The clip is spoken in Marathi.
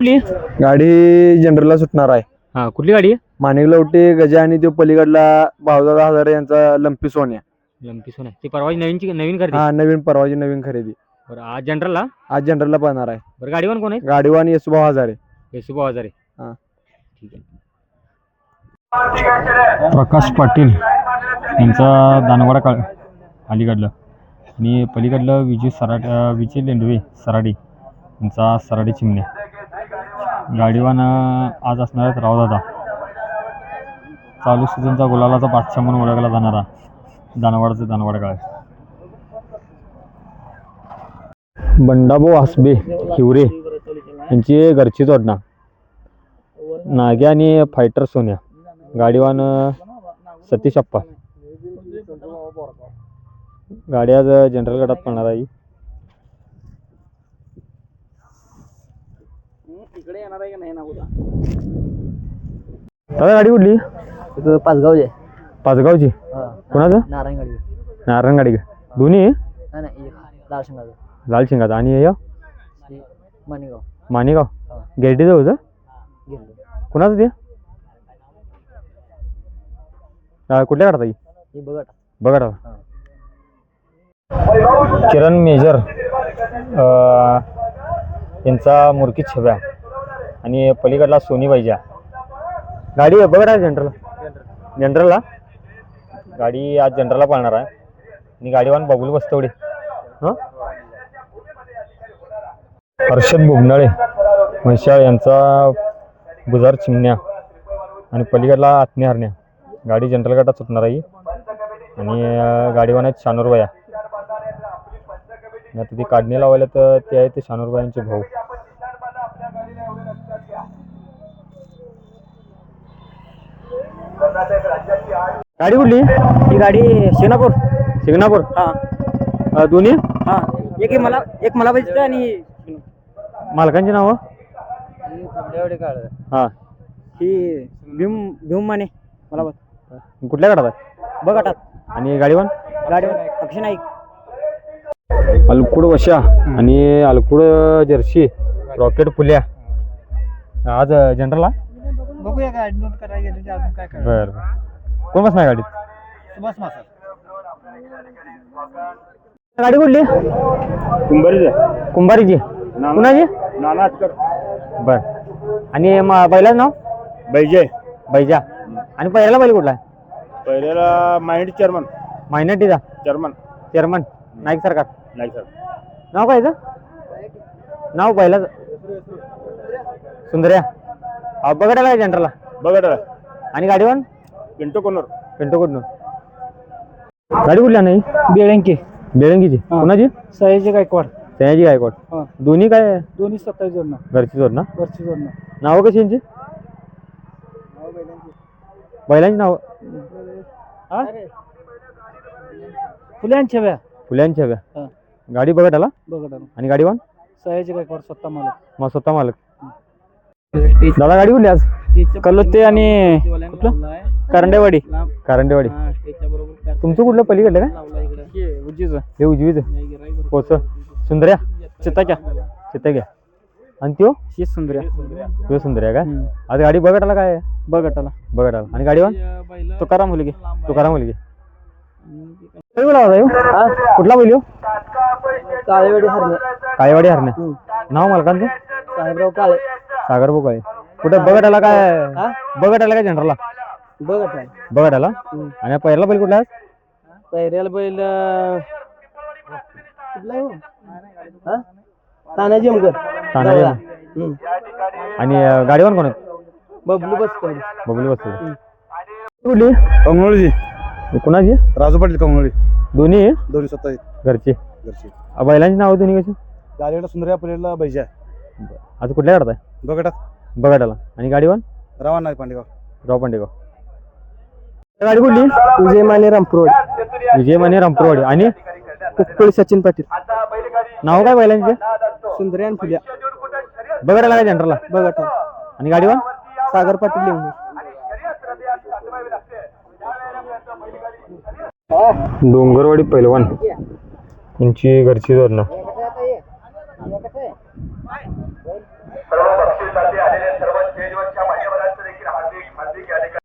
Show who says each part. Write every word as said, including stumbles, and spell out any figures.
Speaker 1: कुठली
Speaker 2: गाडी जनरलला सुटणार आहे.
Speaker 1: हा कुठली गाडी आहे?
Speaker 2: माणिक लवटे गजा आणि तो पलीकडला बावदादा हजारे यांचा लंपी सोन्या.
Speaker 1: लंपी सोन्या ती परवा नवीन नवीन खरेदी.
Speaker 2: हा नवीन परवाची नवीन खरेदी.
Speaker 1: बरं आज जनरलला
Speaker 2: आज जनरलला पळणार आहे.
Speaker 1: बरं गाडीवान कोण आहे?
Speaker 2: गाडीवान येसुभाऊ हजारे.
Speaker 1: येसुभाऊ हजारे.
Speaker 2: हा
Speaker 1: ठीक आहे.
Speaker 3: प्रकाश पाटील यांचा दानवाडा काळ अलीकडलं आणि पलीकडलं विजय सराड विजय लेंडवे सराडी यांचा सराडी चिमण्या. गाडीवान आज असणार आहेत रावदादा. चालू सीझनचा गुलालाचा बादशाह म्हणून ओळखला जाणारा दानवाडाचा दानवाडा काळ. बंडाभाऊ हसबे हिवरे यांची घरची जोडणा. नाग्या आणि फायटर सोन्या. गाडीवान सतीश अप्पा. गाडी आज जनरल गटात पळणार आहे. दादा गाडी कुठली?
Speaker 4: पाचगावचे.
Speaker 3: पाचगावची. कोणाचं?
Speaker 4: नारायण गाडी.
Speaker 3: नारायण गाडी का? दोन्ही
Speaker 4: नाही नाही लाल शिंगाचं.
Speaker 3: लाल शिंगाचा आणि हे
Speaker 4: माणेगाव.
Speaker 3: माणेगाव गेरडी होतं. कोणाचं ते? कुठल्या काढता
Speaker 4: ही बघा
Speaker 3: बघा. किरण मेजर यांचा मुरकी छव्या आणि पलीकडला सोनी पाहिजे. गाडी बघा जनरल जनरलला गाडी आज जनरलला पाळणार आहे आणि गाडीवान बबुल बस्तवडे. हां हर्षद बुबनाळे म्हैशाळ यांचा बुजार चिमण्या आणि पलीकडला आत्मी हरण्या. गाडी जनरल गटात सुटणार आहे आणि गाडीवान आहेत शानूरबाया. आता ती काढणी लावायला तर ते आहे ते शानूरबायांचे भाऊ.
Speaker 1: गाडी कुठली?
Speaker 4: ही गाडी शिंगणापूर.
Speaker 1: शिंगणापूर.
Speaker 4: हा
Speaker 1: दोन्ही.
Speaker 4: हा एक मला एक मला पाहिजे आणि
Speaker 1: मालकांची नावं? हा
Speaker 4: ही भीम भीम माने मला
Speaker 1: कुठल्या गाडात आहे?
Speaker 4: बघाटात.
Speaker 1: आणि गाडीवान?
Speaker 4: गाडीवर अक्षय नाईक.
Speaker 3: अलकुड वशा आणि अलकुड जर्सी रॉकेट फुल्या आज जनरलला.
Speaker 4: बघूया गाडी नोट करायला गेली अजून काय काय.
Speaker 3: बरं कोण बसणार गाडीत?
Speaker 4: सुभाष मासा.
Speaker 1: गाडी कुठली?
Speaker 2: कुंभारीचे.
Speaker 1: कुंभारीची. कुणाची?
Speaker 2: नाना अटकर.
Speaker 1: बर. आणि बैलाचं नाव?
Speaker 2: बैजे.
Speaker 1: बैजा. आणि पहिल्याला बैल कुठला आहे?
Speaker 2: पहिल्याला माइंड चेअरमन.
Speaker 1: मायनटीचा
Speaker 2: चेअरमन.
Speaker 1: चेअरमन नाईक सरकार.
Speaker 2: नाही सर.
Speaker 1: नाव काय याचं? नाव पहिलाच सुंदर्या. बघायला काय जनरलला?
Speaker 2: बघा
Speaker 1: आणि गाडीवान?
Speaker 2: पिंटो कोनर.
Speaker 1: पिंटो कुठून? गाडी कुठल्या नाही?
Speaker 4: बेळंकी.
Speaker 1: बेळंकीची. कोणाची?
Speaker 4: सयाजी गायकवाड.
Speaker 1: सयाजी गायकवाड. दोन्ही काय?
Speaker 4: दोन्ही सत्तावीस जोडणं.
Speaker 1: घरची जोड ना?
Speaker 4: घरची जोडणं.
Speaker 1: नावं कशी यांची? बैलांची नाव?
Speaker 4: फुल्यांच्या व्या.
Speaker 1: फुल्यांच्या हव्या. गाडी बघत आला?
Speaker 4: बघा
Speaker 1: आणि गाडीवान?
Speaker 4: सयाजी गायकवाड स्वतः मालक.
Speaker 1: मग स्वतः मालक. दादा गाडी कुठली आज?
Speaker 4: कलोते आणि कुठलं?
Speaker 1: करंडेवाडी. करंडेवाडी. तुमचं कुठलं पलीकडलं काय?
Speaker 4: उजीच.
Speaker 1: हे उजवीच पोच. सुंदर्या.
Speaker 4: चित्ताच्या.
Speaker 1: चित्ता. आणि त्यो?
Speaker 4: ही सुंदर्या.
Speaker 1: त्यो सुंदर्या काय? आज गाडी बघत आला काय?
Speaker 4: बघत आला.
Speaker 1: बघत आला. आणि गाडीवान?
Speaker 4: तुकाराम मुलगी.
Speaker 1: तुकाराम मुलगी. कुठला बैल?
Speaker 4: काळेवाडी हरणे.
Speaker 1: काळेवाडी हरण्या. नाव मालकांचं?
Speaker 4: साहेबराव काळे.
Speaker 1: सागर भाऊ काळे. कुठे बघत आला काय? बघत आला काय जनरलला?
Speaker 4: बघत आहे.
Speaker 1: बघत आला. आणि पहिला बैल कुठला?
Speaker 4: पहिल्याला बैल तानाजी अमकर.
Speaker 1: तानाजी. आणि गाडीवान कोण आहेत?
Speaker 4: बबलू बसतो.
Speaker 1: बबलू बसतो. कुठली?
Speaker 2: कंगनोळीची.
Speaker 1: कुणाची?
Speaker 2: राजू पाटील कंगनोळी.
Speaker 1: दोन्ही
Speaker 2: दोन्ही सत्तावीस.
Speaker 1: घरची.
Speaker 2: घरची.
Speaker 1: बैलांची नाव दोन्ही कशी?
Speaker 2: गाडीला सुंदर्या पलीकडला बैजा.
Speaker 1: आज कुठल्या काढताय?
Speaker 2: बघटात.
Speaker 1: बघत आला. आणि गाडीवान?
Speaker 2: रावण नाही पांडेगाव.
Speaker 1: राव पांडेगाव. गाडी कुठली?
Speaker 4: विजय माने रामपुरवाडी.
Speaker 1: विजय माने रामपुरवाडी. आणि
Speaker 4: कुक्कळी सचिन पाटील.
Speaker 1: नाव काय बैलांचे?
Speaker 4: सुंदर्या आणि फुल्या.
Speaker 1: बघत आला काय जनरलला?
Speaker 4: बघत.
Speaker 1: आणि गाडीवान?
Speaker 4: सागर पाटील लिंबू.
Speaker 3: डोंगरवाडी पैलवान यांची घरची जोडणं.